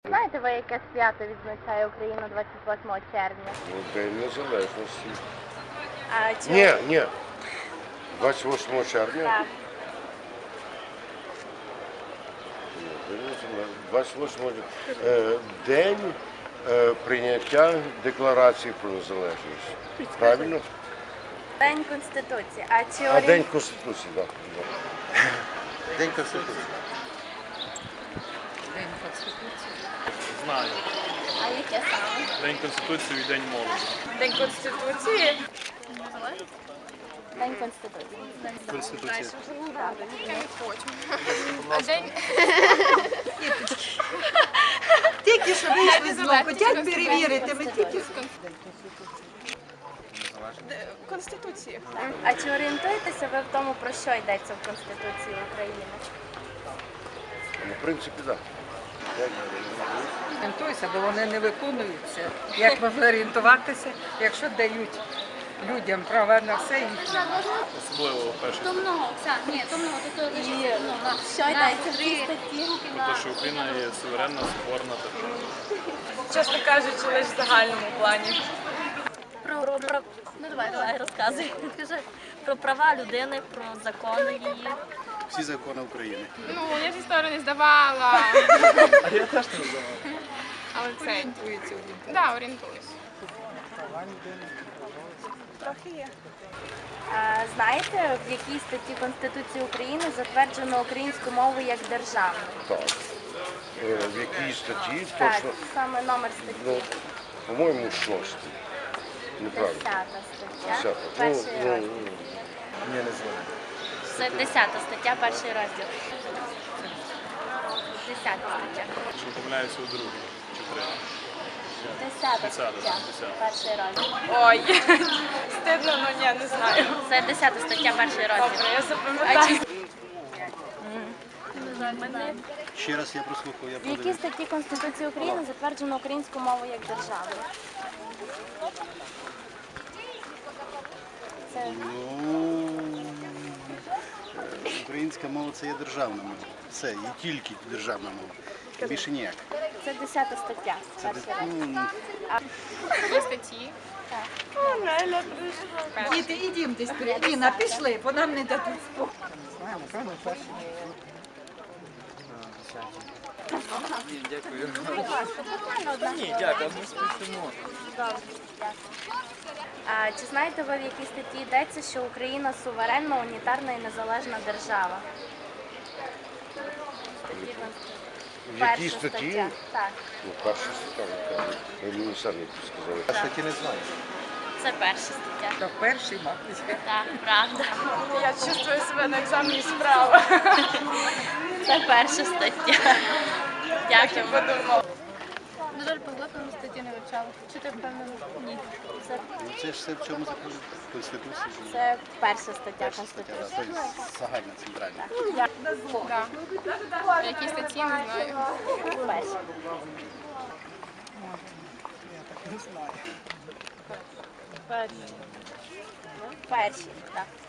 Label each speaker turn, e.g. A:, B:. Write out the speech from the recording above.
A: Знаєте ви, яке свято відзначає Україна 28 червня?
B: День Незалежності.
A: А
B: Ні. 28 червня?
A: Так.
B: 28 день прийняття Декларації про незалежність. Правильно?
A: День Конституції.
B: А День Конституції, так.
C: День Конституції.
D: День Конституції.
E: Знаю.
A: А яке саме?
E: День Конституції і День молоді.
D: День Конституції.
A: День Конституції.
E: Конституція.
D: А день
F: Тільки що вийшли з дому, хотять перевірити, ми тільки
D: Конституції.
A: А чи орієнтуєтеся ви в тому, про що йдеться в Конституції України?
B: Ну, в принципі, так.
F: орієнтуюся, бо вони не виконуються. Як можна орієнтуватися, якщо дають людям права на все їхнє?
E: Особливо перший
G: То много, ні, то много, то лише много.
A: Що йдеться в цій статті?
E: про те, що Україна є суверенна, соборна держава.
D: Чесно кажучи, лише в загальному плані.
G: Ну давай, розказуй. Скажи про права людини, про закони її.
C: Всі закони України.
D: Ну, я ж історію не здавала.
E: А я теж не знаю.
D: Але це,
F: Орієнтуються.
D: да, орієнтуюсь.
A: Трохи є. Знаєте, в якій статті Конституції України затверджено українську мову як державну?
B: Так. В якій статті?
A: Так,
B: Точно,
A: саме номер
B: ну,
A: статті.
B: по-моєму, 6. Неправильно.
A: 10 стаття.
B: 10.
A: Перший розділ.
C: Ні, не знаю.
A: Це 10 стаття, перший розділ. 10 стаття.
E: Що помиляюся у другій чи третій.
A: 10 стаття,
E: 10.
A: перший розділ.
D: Ой, стидно, ну ні, не знаю.
A: Це 10 стаття, перший розділ.
D: Добре, я запам'ятаю.
C: Ще раз я прослухав, я
A: В якій
C: подивився.
A: статті Конституції України затверджено українську мову як державну? Це
C: Ну, українська мова це є державна мова. Все, є тільки державна мова. Більше ніяк.
A: Це 10 стаття,
C: Це
A: перший розділ.
C: ну,
D: Є статті.
F: Діти, ідім десь Ліна, пішли, бо нам не дадуть спокою.
A: Чи знаєте ви, в якій статті йдеться, що Україна суверенна, унітарна і незалежна держава?
B: В якій
A: Перша
B: статті?
A: стаття. Так,
B: Ну, перша стаття, напевно. Ви мені самі сказали.
C: я статті не знаю.
A: це перша стаття.
F: То перший, мабуть.
A: Так, правда.
D: Я чувствую себе на екзамені справа.
A: Це перша стаття. Дякую.
G: На жаль, по закону статті не вивчала. Чи ти впевнена? Ні.
A: Це,
C: Ну, це ж все в чому заходить? В Конституції.
A: це перша стаття
C: Перша стаття, да,
A: Конституції.
C: тобто загальна, центральна.
D: Да. Які статті, не знаю.
A: Перша. Перші, так.